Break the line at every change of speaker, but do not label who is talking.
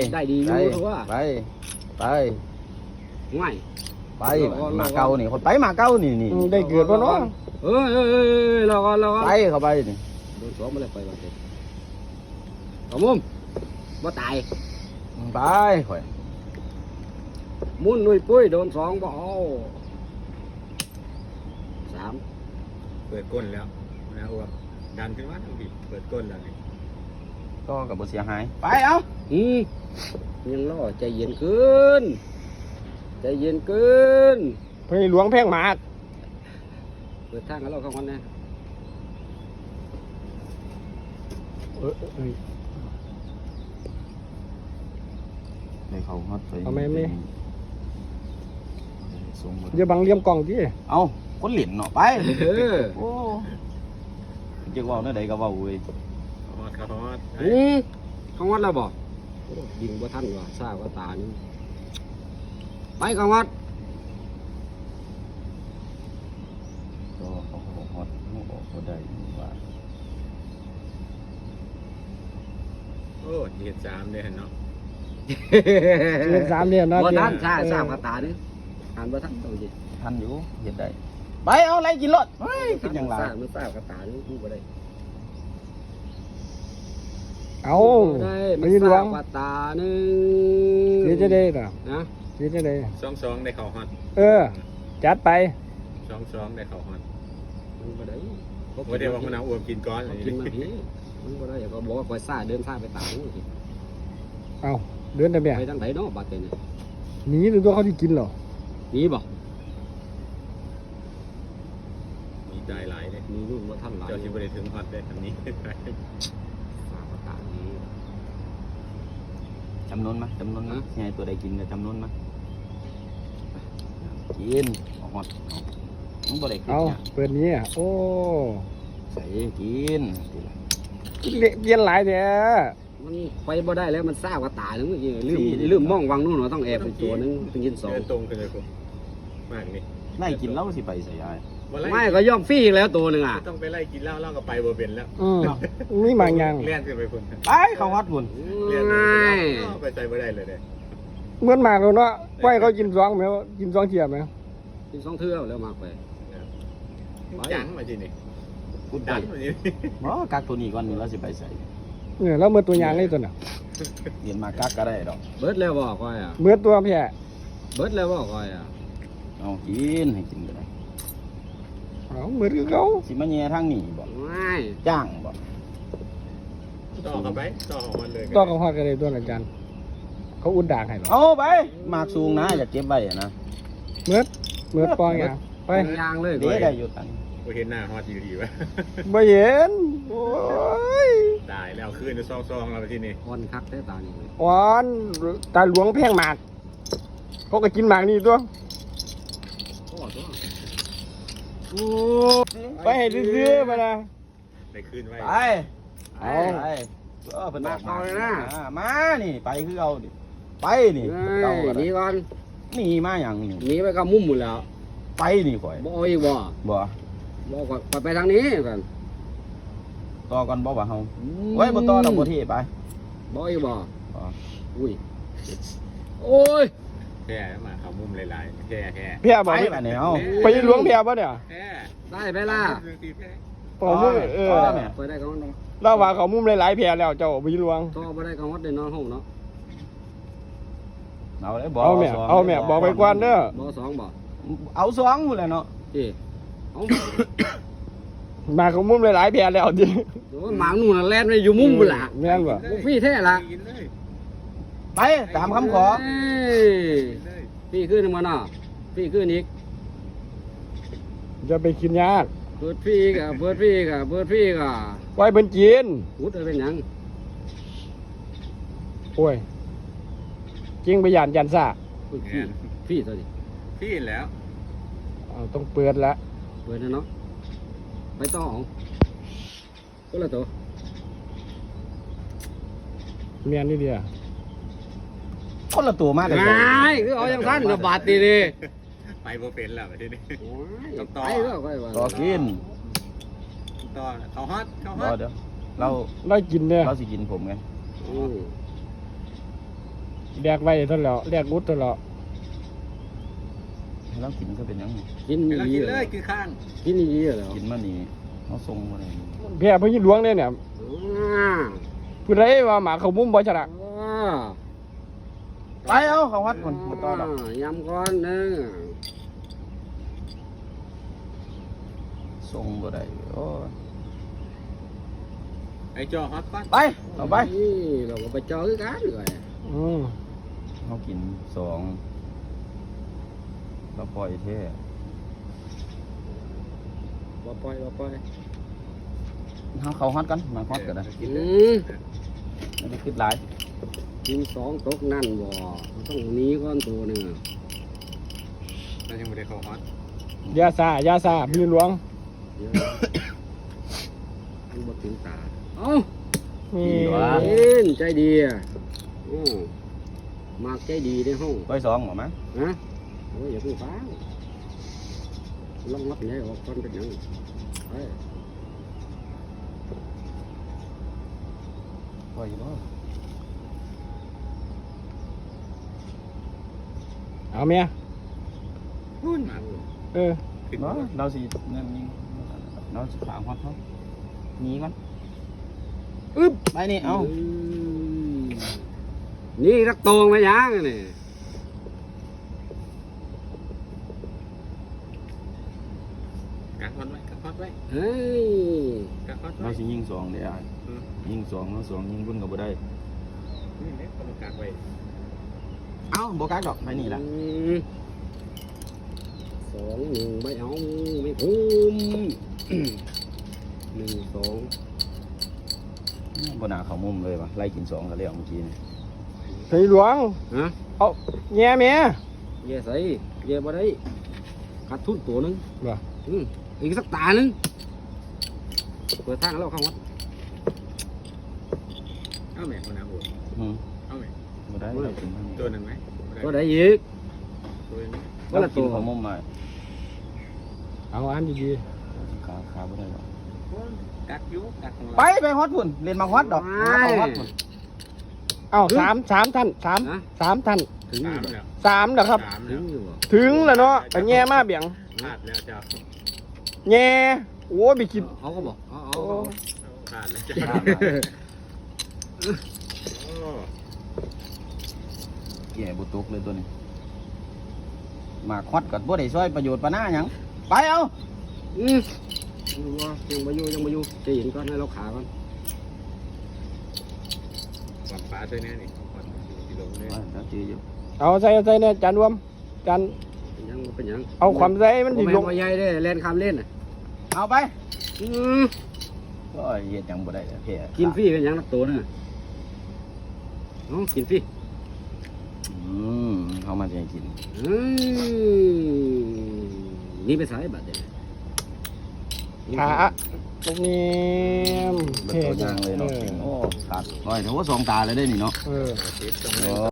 ได้ดีอยู่ทั่ว
ไป
ง่าย
ไปมาเก่านี่คนไปมาเก่านี่
ได้เกิดบ่เนาะ
เราก็
ไปเข้าไปนี่
โดนสองมาเลยไปบ้านเด็กเอามุมบ่ตาย
ไปข่อย
มุนนุ้ยปุ้ยโดนสองบ่เอาสาม
เปิดก้นแล้วนะอ้วกดันขึ้นมาทั้งปีเปิดก้นแล้วนี่
ก็กับบ่เสียหายไปเอา
ยังรอใจเย็นขึ้นใจเย็นขึ้น
ไปหลวงแพงหมาก
เปิดทางให้เราเข้ากันนะ
ในเขาฮอดไป
เอาไม่อย่าบังเลี่ยมกล่องที่
เอาคนเหรียญเนาะไปโอ้จะว่าเนื้อใดก็ว่าเว้ย
ฮอด
เขาวัดแล้วบ่ยิงบ่ทันว่ะซ่าว่าตานี่ไปเขาวัด
ก็เขาฮอดเขาได้ว่า
โอ้เดือน3เลยเนาะ
เดือน3เดือนเนาะ
บ่ทันซ่าว่าตานี่อ่านบ่ทันต้องสิ
ทันอยู่เฮ็ดได้ไปเอาอะไรกินรถเฮ้ยเป็นอย่างไร
มันซ่าว่าตานี่พูดบ่ได้
เอา
ไม่หลวงว่าตานึง
เดี๋ยวจะได้น่ะ
นะ
เดี๋ยวจะได้
2ได้เข้าฮอด
จัดไป
2ได้เข้าฮอด
มันบ่ได้
บ่ได้ว่ามันเอาอ้วมกินก้อน
กินมาพี่มันบ่ได้ก็บอกว่าคอยซ่าเดินซ่าไปตานี่
เอาเดินได้แม่
ไปทางไหนเนาะบัดนี้
หนีหรือตัวเขาที่กินหรอ
หนีบ่
มีใจหลายเลย
มีรุ่นว่าท่านหลาย
เจ้าที่บ่ได้ถึงฮอดได้อันนี้
จำนวนมั้ยไงตัวใดกินก็จำนวนมั้ยกินฮอดมันบ่ได้กิน
เนี่ยเปิดนี้โอ้
ใส่กิน
เย็นหลายแท้
มันไปบ่ได้แล้วมันซ่าว่าตานึงลืมมองวังนู่นเนาะต้องแอบไปตัวนึงต้องกิน2
ตรงกันเลยผมมากนี่
ไล่กินเหล้าสิไปใส่ยาย
ไม่ก็ย่อมฟรีแล้วตัวนึงอ่ะ
ต้องไปไล่กินเหล้าก็ไปบ่เป็นแล้ว
นี่บางอย่าง
เลี้ยนขึ้นไปพุ่น
ไปเขาวัดพุ่น
ง่าย
ไปใจบ่ได้เลยเด้
เหมือนมากแล้วเนาะไว้เขากิน2แม่กิน2เที่ยมั้ย
กิน2เทื่อแล้วมากไป
จังมาทีนี่กูดันมาที
บ่กักตัวนี้ก่อนแล้วสิไปใส่
แล้วเมื่อตัวอย่างเลยตัวน่ะ
เรียนมากักก็ได้ดอก
เบิดแล้วบ่ก้อยอ่ะ
เมื่อตัวแพ้
เบิดแล้วบ่ก้อยอ่ะ
เอากินให้กินก็ได้
เอาเหมือนเขา
สิมาแย่ทางนี้บ่
ไม่
จ้างบ่
ต่อเข้าไปต่อของมันเลย
ต่อกับฮอดกันเลยตัวอาจารย์เขาอุ่นด่างให้หรอ
เอาไปหมากสูงนะอย่าเก็บไว้นะ
เมื่อปองอย่างไป
ยางเลย
ได้อยู่ตัน
บ่เห็นหน้าฮอดอยู่ดีวะ
บ่เห็นโอ้ย
ตายแล้วคืนจะซองๆแล้วที่นี่
อ่อนคักได้ตานี่
อ่อนตาหลวงแพงหมากเขาก็กินหมากนี่ตัวไปให้ซื้อมานะ
ไปคืนไว้
ไปเป็นมากมาเลยนะมานี่ไปคือเอาดิไปนี่
หนีก่อน
หนีมาอย่างนี้
หนีไปกับมุมหมดแล้ว
ไปนี่ข่อย
บ่อีกบ่ก่อนไปทางนี้กัน
ต่อกันบ่ว่าเฮาไว้บ่ต่อเราบ่เทไป
บ่อีกบ่อุ้ยโอ้ย
แค่มาเขามุมหลายๆแ
ค่บ่ไปไหนเฮาไปหลวงแพ้บ่เนี่ย
ได้ไปล่ะ
ผม
ไปได้กัน
เราว่าเขามุมหลายๆแพ้แล้วเจ้าไปหลวง
ต่อบ่ได้กันวัดได้นอนห้องเนาะ
เอาเลยบ่
เอาแม่บอกไปก่อนเด้อ
บ่2บ่
เอา2พุ่นแหละเนาะ
เอา
มาเขามุมหลายๆแพ้แล้วดิ
โอ้หมาหนูน่ะแล่นไปอยู่มุมพุ่นล่ะ
แม่นบ่
ฟรีแท้ล่ะ
ไปตามคำขอ
พี่ขึ้นมาเนาะพี่ขึ้นอีก
จะไปกินยาก
เปิดพี่กะ
ไว้เป็นกิน
พูดเป็นหยัง
โอ้ยจริงไปยันซ่า
พี่ตัวนี้
พี่แล้ว
ต้องเปิดแล้ว
เปิดนะเนาะไปต่อก็ละตัว
เมียนนี่เดียว
คนละตัวมากเลย
คือเอาอย่างนั้นบาดตีดิ
ไปโบเป็นแล้วทีนี้
ต่
อกิน
ต่อเขาฮอต
เดี๋ยวเรา
กินเนี่ย
เราสิกินผมไง
แดกไว้เท่าแล้วแดกกุดเท่าแล้ว
แล้วกินก็เป็นหยัง
กิน
ไปแล้ว
ดี
กิน
เหร
เล
อย
กินข้าง
กินดีเหรอ
กินมานี่เขาส่งมาเลย
แพ้พญหลวงเนี่ยผู้ใดว่าหมาเขามุ้มบ่ชนะ
ไปเอาเขาวัดคนมาต่อดอก
ยำก้อนนึง
ส่งบ่ได้โอ้ย
ไอ้จอฮอตปั้น
ไปเอาไป
นี่เราก็ไปเจอกันเลย
เขากินสองแล้วปล่อยเท่
ว่าปล่อยว่าปล่อย
เขาฮอดกันมาฮอดกันนะ
กิน
อื
เลย
ม
ไม่ได้คิดหลาย
กินสองตกนั่นบ่ต้องหนีก้อนตัวหนึ่ง
เรายังไม่ได้เข้าฮอต
ยาซาพญหลวง
เดี๋ยวมันบ่ถึงตาเอ้า
นี่
เอ็นใจดีอ่ะมากใจดีในห้อง
ปล่อยสองหรอมั้ย
ฮะโอ้ยอย่าเพิ่งฟ้าวลองมัดใหญ่ออกก่อนเป็นหยังไป
ปล่อยบ่
เอาเมีย
พูดมา
เออ
ขึ้น
เนาะ
มา
เราสินั่นนี่เราสิถามฮอดเขาหนีมันอึ๊บไปนี่เอา
นี่รักโตงมายังนี่
กักฮอตไว้กักฮอตไว้
เฮ้ย
กักฮอต
เรา
ไว้
สิยิงสองเดี๋ยวยิงสองแล้วสองยิงบุญก็บ่ได้
นี่เนี่ยต้องกักไว้
เอ้าบ่กักดอกไปนี่ล่ะ
สองหนึ่งไม่เอาไม่คุ้มหนึ่งสอง
บ่น่าเข้ามุมเลยว่ะไล่กินสองก็แล้วเมื่อกี้นี่
พญหลวง
ฮะ
เอาแง่เมีย
เย่ใส่เย่บ่ได้ขาดทุนตัวหนึง
บ่
อีกสักตาหนึงเปิดทางแล้วเข้าวัด
เอาแม่คนน้ำบัว
อืม
เอาแม่
บ่ได้เรากินเท่านี้
ตัวหนึ่งไหม
ก็ได้อีก
ตัวหนึ่ง
ก็
เรา
ละ
กิ
ตั
น
ว
เข้ามุมมา
เอาอันดี
ขาบ่ได้หรอก
กักยุกักของเรา
ไปฮอดพุ่นเรียนมาฮอดดอกมาฮอดพุ่น
ๆเอาสามท่านสาม
นะ
ท่าน
ถึง
สา
อยู่
ม
บ่
แล้ว
สามเหรอครับ
สาม
ถึ
แล้
ง
ว
อยู่บ่
ถึงแล้วเนาะไปแง่มาเบี่ยง
พลาดแล้วจ้า
แง่โอ้ยไปกิน
เอาก็บอกเอา
โอ้
พลาดแล้วจ้าโอ้
แก่บ่ตกเลยตัวนี้มาฮอดก็บ่ได้ช่วยประโยชน์ปานหน้าหยังไปเอา
ดูว่ายังมาอยู่จะเห็นก่อนให้เราขาก่อน
หวังฟ้าตัวนี้นี่ก่อนที่ลงเลย
แล้วจืออยู่
เอาใส่เนี่ยจานรวมจาน
เป็นหยังเป็นหยัง
เอาความใส่มันดิ
ล
ล
ง
ง
มาใหญ่ได้เล่นคำเล่นน่ะ
เอาไป
อืม
ก็เฮ็ดหยังบ่ได้แพ้
กินฟรีเป็นหยังนักตัวน่ะเอากินฟรี
เขามาจะให้กิน
นี่ไปสายบัตรเด็ด
ขาตรงนี้
เบิดตัวอยางเลยเนาะโอ้ขาดน้อยแต่ว่าสองตาเลยได้นี่เนาะ
เออ
ติดตรงนี้